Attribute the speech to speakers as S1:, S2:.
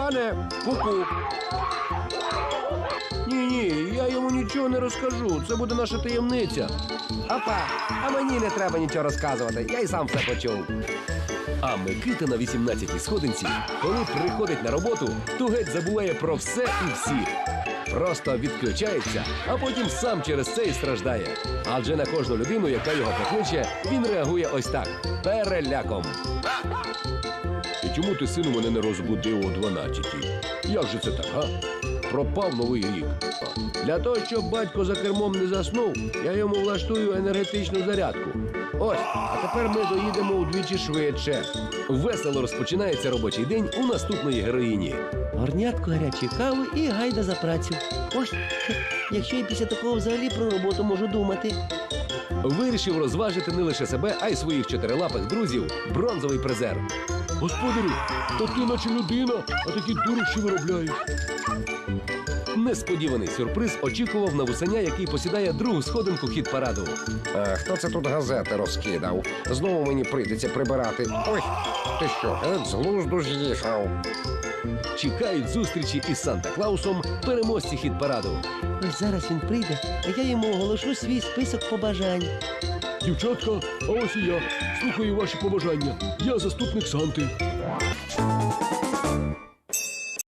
S1: Іване, ку-ку. Ні, я йому нічого не розкажу. Це буде наша таємниця.
S2: Опа, а мені не треба нічого розказувати, я й сам все почув.
S1: А Микита на 18-й сходинці, коли приходить на роботу, то геть забуває про все і всіх. Просто відключається, а потім сам через це і страждає. Адже на кожну людину, яка його покличе, він реагує ось так – переляком. І чому ти, сину, мене не розбудив о 12-й? Як же це так, га? Пропав новий рік. Для того, щоб батько за кермом не заснув, я йому влаштую енергетичну зарядку. Ось, а тепер ми доїдемо удвічі швидше. Весело розпочинається робочий день у наступної героїні.
S3: Горнятку гарячої кави і гайда за працю. Ось, якщо я після такого взагалі про роботу можу думати.
S1: Вирішив розважити не лише себе, а й своїх чотирилапих друзів – бронзовий призер. Господарю, то ти наче людина, а такі дурощі виробляєш. Несподіваний сюрприз очікував на Вусеня, який посідає другу сходинку хіт-параду.
S2: Хто це тут газети розкидав? Знову мені прийдеться прибирати. Ой, ти що, геть з глузду з'їхав?
S1: Чекають зустрічі із Санта-Клаусом переможці хіт-параду.
S3: Ось зараз він прийде, а я йому оголошу свій список побажань.
S1: Дівчатка, а ось і я. Слухаю ваші побажання. Я заступник Санти.